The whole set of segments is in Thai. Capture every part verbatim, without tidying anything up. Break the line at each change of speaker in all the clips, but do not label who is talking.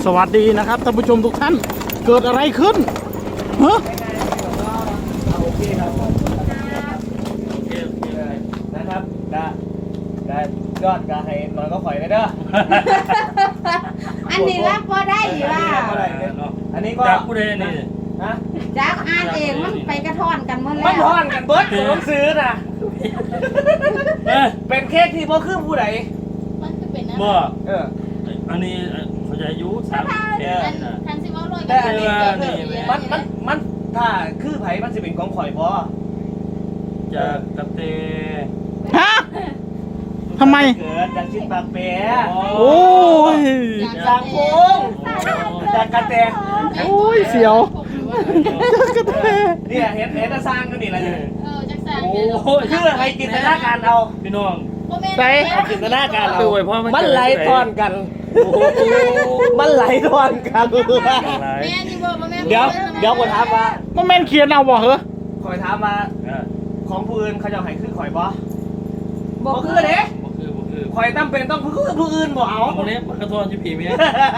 สวัสดีนะครับท่านผู้ชมทุกท่านเกิดอะไรขึ้นฮะ
โอเคครับโอเคโอเคนะครับกะกะยอดกะให้นอนก็ข่อยเลยเด้อ
อันนี้รับพอได้อยู่ล่ะ
อันนี้ก็
จากผู้ใดนี่
ฮะ
จักอ่านเองมันไปกระท่อนกันหมด
มั
แล้
น
ว
ทอนกันเบิร์ดผมต้องซื้อนะ
เอ้ย
เป็นเค้กที่พ่อคือผู้ใด
มันคือเป็นนะ
บ่
เออ
อันนี้เขาจะอายุสามสิบเอ็ดนะ
ทันสิว่าลอย
แต่อันนี้ก็คือ
นี่
มันมันมันถ้าคือไผมันจะเป็นของข่อยบ่
จากกระเต
ฮะทำไม
เกิดจากชิ้นปากเปีย
โอ้ย
จากโค้งจากกระแต
โอ้ยเสียวกระเท
เนี่ยเห็นเห็นสร้างกันนี่แหละเนี่ย
เออจักสาน
โอ้ย
คือให้จินตนาการเอา
พี่น้อง
ใส่
ให้จินตนาการเอา
คือไว้เพราะมัน
มันไหลทอนกัน
โอ้โห
มันไหลทอนกัน
หลาย
แม่นี่บอกว่าแม่
เดี๋ยวเดี๋ยวผมถามว่า
มันแม่นเขียนเอาบ่เหรอ
ข่อยถามว่า
อ่ะ
ของผู้อื่นเขาจะให้คือข่อยบ่
บ
บ่
อก
คือเด้
บ่คือบ่คือ
ข่อยตั้มเป็นต้องคือผู้อื่นบ่เอา
คนนี้มันกระทอนที่ผีเมีย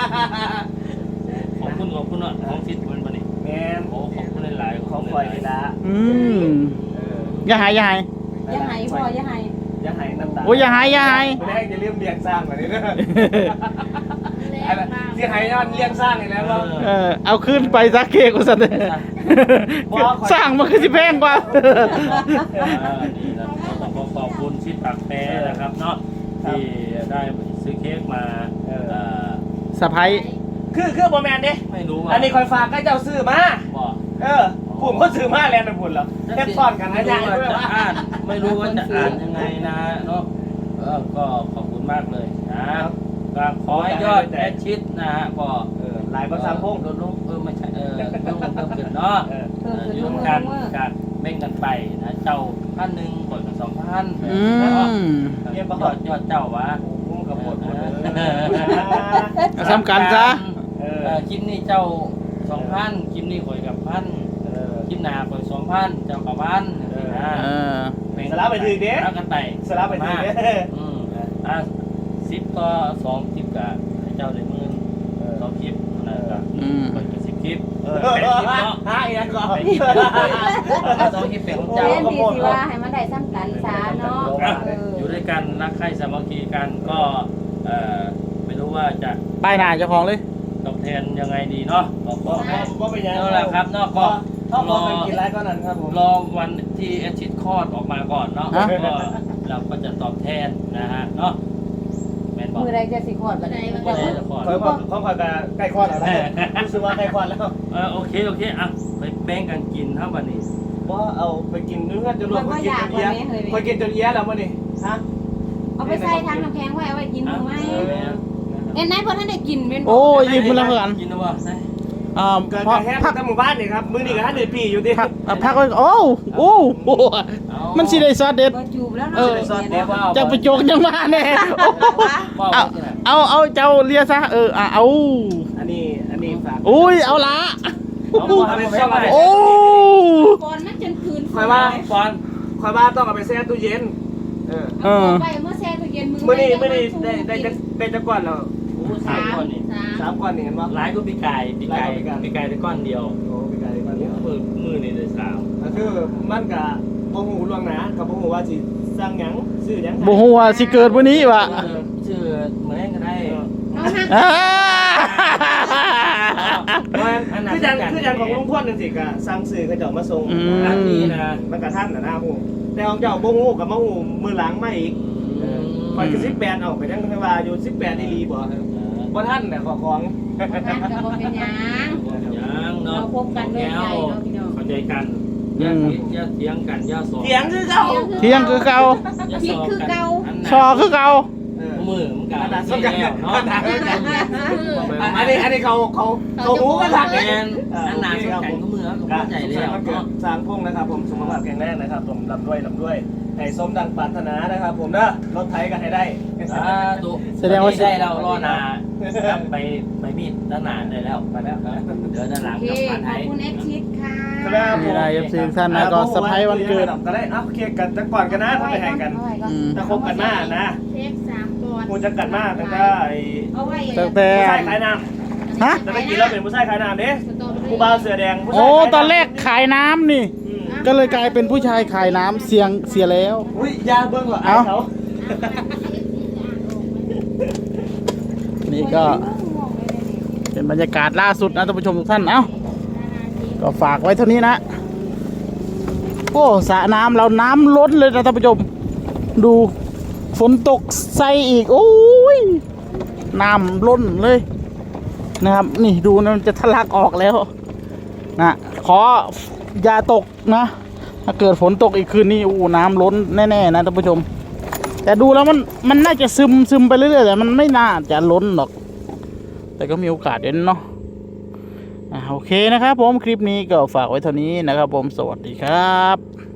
ขอบคุณขอบคุณอ่ะของทิศมันวันนี้
แม่น
โอ้ขอบคุณหลายๆ
ของข่อยนี่ละ
อืม
เออ
อย่าหายอย่าหาย
อย่าให้พ่ออย่าให้
อย่าให้น้ำตา
โอ้ยอย่าหายอย่าหาย
ไม่ได้จะเลี้ยงเลี้ยงสร้างแบบนี้เด้อ
แร
ไอ้
งมาก
ที่ให้ย้อนเลี้ยงสร้างนี่แหล้วว่า
เออเอาขึ้นไปซักเค้กกูสัตว์สร้างมันคือสิแพงกว่า
อ่านี่นะต้องขอขอบคุณชิดปากแปรนะครับเนาะที่ได้ซื้อเค้กมาเอ่อ
สะพาย
คือคือบ่แม่นเด้
ไม่รู้ว่า
อันนี้ข่อยฝากก็เจ้าซื้อมา
บอก
เออผมก็ซื้อมาแล้วนะพุ่นแล้วแค่ซ่อนกัน
ไม่
นะ
รู้
ยัง
ว่า
ด้วย
จะ
ว่า
อ่านไม่รู้ว่าจะอ่านยังไงนะเนาะเออก็ขอบคุณมากเลยนะก็ขอให้ยอดแอดชิดนะฮะก็
เออหลายภาษาพง
ลดลงเออไม่ใช่เออลดลงเพิ่มขึ้นเนาะ
เออ
เอออยู่ร่วมกันการแบ่งกันไปนะเจ้าพันหนึ่งก่อนกับสองพัน
อืม
ยอดยอดเจ้าวะ
ผมกับหมดหมดเลย
เอาซ้ำกันซะ
เอ
เอ
อ
อคลิปนี้เจ้าสองพันคลิปนี้ข่อยกับพัน
เออ
คลิปหน้าข่อยสองพันเจ้ากับพันนะ
เออ
สลับไปถือเด้
สลับกันไป
สลับไปถือเด้
อืมอ่ะสิบต่อสองคลิปกับให้เจ้าได้หมื่นสองคลิปนั่นแหละ
อืม
ข่อยกับสิบคลิป
เออ
แปดคลิปเนาะ
หาอีกแล้วก็
แปดคลิปเอาสองคลิปเป็นของเจ้า
เล่นดีสิว่าให้มันได้ซ้ำกันซะเนาะ
อ่ะ
เออ
อยู่ด้วยกันรักใคร่สามัคคีกันก็เอ่อไม่รู้ว่าจะ
ป้ายหน้าเจ้าของเลย
ตอบแทนยังไงดีเนาะก็ขอให้
ก็เป็นยัง
นั่นแหละครับเนาะก็
ถ้าพอไปกินไรก็นั้นครับผม
รอวันที่แอดชิดคลอดออกมาก่อนเนาะ
ฮะ
ก็เราก็จะตอบแทนนะฮะเนาะแมนบอก
มือใดจะสิขอดบัดนี้
ไม่ได้จะคลอด
คอยพอคอยกับใกล้คลอดแล้วรู้สึกว่าใกล้คลอดแล้ว
เออโอเคโอเคอ่ะไปแบ่งกันกินเท่าวันนี้
ว่าเอาไปกินเนื้อจนรวมคนกินจนเอี้ยคนกินจนเอี้ยแล้วมั้งนี่ฮะ
เอาไปใส่ทางน้ำแข็งไว้เอาไว้กินมื้อไหมเอ็นไหนเพิ่นท่านได้กินเป็นบ่
โอ้ยยิ้มแล้วเพื่อน
กินแล้ววะ
อ่า
เกิด
พั
กาก รแห้ง
พัก
ทั้งหมู่บ้านนี่ครับมือนี่กับท่านเดือดปีอยู่ดิ
พักอ่ะพักไว้โอ้โอ้โหมันสิได้ซอสเด็ด
บ่จูบแล้ว
เอ
เนาะ
อ
เดี๋ยวว่า
จะไปโจกยังมาแน่เอาเอาเอาเจ้าเลียซะเอออ่ะเอา
อันนี้อันนี้ฝาก
อุ้ยเอาละ
เอาเอาไปซ่อมอะไร
โอ้
ก่อนมันจนคืน
คอยว่า
บอล
คอยว่าต้องเอาไปแช่ตู้เย็นเออ
เออ
ไปเมื่อแช่ตู้เย็นมือ
มื่อนี้มื่อนี้ได้ได้จะได้จะก้อนแล้ว
โอ้สามคนนี่
สาม
สามก้อนนี่เห็นปะ
หลายก็ปีไก่ปีไก่ปีไก่แต่ก้อนเดียว
โอ้ปีกายก้อนเดียว
มือมือนี่เลยสาม
ก็คือมันกับบ่หูล่วงหนากับบ่หูว่าสิสร้างหยังซื้อหยัง
บ่ฮู้ว่าสิเกิดวันนี้วะ
ชื่อเหมือนกันได้
เอาหัก
อ่า
คือจังคือจังของลุงพ่นจังซี่ก็สั่งซื้อเขาเจ้ามาส่ง
ร้านนี้นะ
มันก็ทันน่ะนะฮู้แต่ของเจ้าบ่ฮู้กับมาฮู้มือหลังมาอีกข่อยคือสิบแปดเอาไปจังว่าอยู่สิบแปดอีหลีบ่บ่ทันน่ะขอของ
หักก็บ่เป็นหยัง
ยังเนาะ
เราพบกันด้วยใจเนาะพี่น้อง
เข้าใจกันอย่าอย่าเถียงกันอย่าสอน
เถียงคือเก่า
เที่ยงคือเก่า
คิดคือเก่า
ชอคือเก่า
เออ
มือมันกั
อั
น
นนั้น
ที่
สำคัญ
แล้วเนาะ
อันนี้อันนี้เขาเขาเขาหูกันทัก
แม
เอง
นอันหนาสำคัญก็มือก็เข้าใจแล้ว
เนาะ
เนาะ
สร้างพุ่งนะครับผมสุขภาพแข็งแรงนะครับผมลำด้วยลำด้วยให้สมดังปรารถนานะครับผมเด้อรถไถก็ให้ได้
สาธุ
แสดงว่า
ได้แล้วรอนาครับไปไปมีดด้านหน้าได้แล้วไปแล้วเดี๋ยวด้านหลัง
โอเค
กับพัน
ข
ไท
อบ
ย
คุณแอดชิดค่ะ
มีอะไร เอฟ ซี ท่านนะก็เซอร์ไพรส์วันเกิด
ก็ได้เอาเคลียร์กันจะก่อนกันนะถ้าไปให้กัน
เอาไว้ก่อน
อืม
ถ้าคบกันมากนะ
เทปสามก่อน
กูจะกันมากตั้งแต่ไอ้
เอาไว้
ตั้งแต่
ผู้ชายขายน้
ฮะ
แต่ตะกี้เราเป็นผู้ชายขายน้ำเด้ผู้บ่าวเสื้อแดงผู้ชาย
โอ้
ขายำ
ตอนแรกขายน้ำนี่
อืม
ก็เลยกลายเป็นผู้ชายขายน้ำเสียงเสียแล้ว
อุ้ยยาเบิ่งว่ะ
เอ้า
เขา
นี่ก็เป็นบรรยากาศล่าสุดนะท่านผู้ชมทุกท่านเอ้าก็ฝากไว้เท่านี้นะโอ้สระน้ำเราน้ำล้นเลยนะท่านผู้ชมดูฝนตกใส่อีกโอ้ยน้ำล้นเลยนะครับนี่ดูนะมันจะทะลักออกแล้วนะขออย่าตกนะถ้าเกิดฝนตกอีกคืนนี้อู้น้ำล้นแน่ๆนะท่านผู้ชมแต่ดูแล้วมันมันน่าจะซึมซึมไปเรื่อยๆแต่มันไม่น่าจะล้นหรอกแต่ก็มีโอกาสเด่นเนาะอ่าโอเคนะครับผมคลิปนี้ก็ฝากไว้เท่านี้นะครับผมสวัสดีครับ